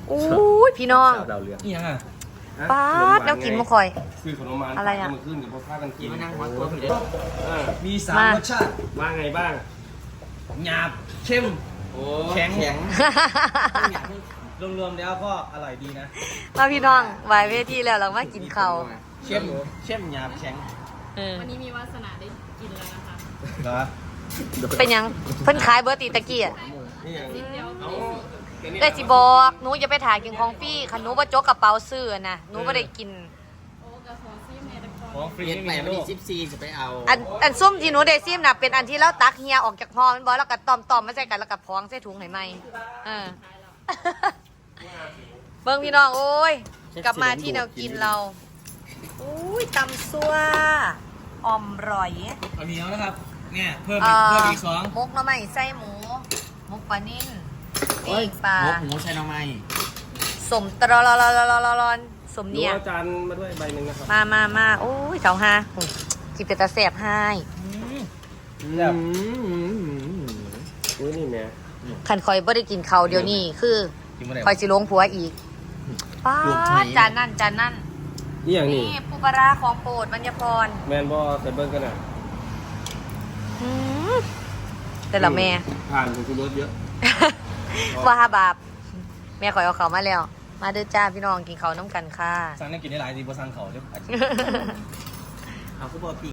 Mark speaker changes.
Speaker 1: อู้ยพี่น้อง
Speaker 2: ดาวเรือง
Speaker 3: นี่ยังอ่ะ
Speaker 1: ป๊าดแล้วกินมาคอย
Speaker 2: ซื้อขนมมัน
Speaker 1: อะไรอะ
Speaker 2: มาขึ้นกับพ่อพากันกิน
Speaker 3: มานั่งหัวตัวพี่เด็
Speaker 2: มี
Speaker 3: มี3 รสชาติ
Speaker 2: ว่าไงบ้าง
Speaker 3: หยาบเข้ม
Speaker 2: โอ้
Speaker 3: แข็งรวมๆแล้วก็อร่อยดีนะ
Speaker 1: มาพี่น้องไหวเวทีแล้วเรามากินข้าว
Speaker 3: เข้มหยาบแข็ง
Speaker 4: วันนี้มีวาสนาได้กินแล้วนะคะ
Speaker 3: เหรอ
Speaker 1: เป็นหยังเพิ่นขายเบอร์ตีตะกี้อ่ะ
Speaker 2: นี่อย่าง
Speaker 4: นิดเดียว
Speaker 2: เอา
Speaker 1: ได้สิบอกหนูอย่าไปถ่ายกินของฟรี่คันหนูบ่จกกระเป๋าซื้อนะหนูบ่ได้กิน
Speaker 4: โอ้กระของซีเมตะก
Speaker 3: ของฟรี
Speaker 5: เย็ด
Speaker 3: ไม่
Speaker 5: ไป
Speaker 3: มี
Speaker 5: วัน
Speaker 3: โล
Speaker 5: ที่
Speaker 3: ก
Speaker 5: 14จะไปเอา
Speaker 1: อันส้มที่หนูได้ซิมน่ะเป็นอันที่เราตักเฮียออกจากห่อมันบ่แล้วก็ตอมมาใส่กันแล้วก็พองใส่ถุงให้ใหม่เบิ่งพี่น้องโอ้ยกลับมาที่แนวกินเราอุ้ยตำซั่วอ่อมร่อย
Speaker 3: เอาเหนียวนะครับ เนี่ยเพิ่ม
Speaker 1: เอ่
Speaker 3: อีก 2
Speaker 1: มกหน่อไม้ไส้หมูมกปลานิ่นปีกปลา
Speaker 5: หมูใส่หน่อไม้
Speaker 1: สมตรอลอนสม
Speaker 2: ดู
Speaker 1: เนี่ย
Speaker 2: อาจารย์มาด้วยใบหนึ่งนะครับ
Speaker 1: มาโอ้ยเสาห้าจิบเป็นตาแสบให้
Speaker 3: แบบ
Speaker 2: อุ้ยนี่แม่
Speaker 1: ขันคอยบ่ได้กินเขาวเดี๋ยวนี้คือ
Speaker 3: กินไม่ได้
Speaker 1: คอยสิลงผัวอีกป้าดจานนั่น
Speaker 2: นี่อย่างนี้
Speaker 1: นี่ปูปลาร้าของโปรดมัญญพร
Speaker 2: แมนบอใส่เบิ้งกันอ่ะ
Speaker 1: อืมแต่ละแม่
Speaker 2: ผ่านของคุณรถเยอะ
Speaker 1: ว่าบาปแม่คอยเอาเขามาแล้ว มาเด้อจ้าพี่น้องกินเขาวน้ำกันค่ะ
Speaker 3: สั่งได้กินได้หลายดีบ่สั่งเขาเดี๋ยว
Speaker 5: เอาฟุตบอลปี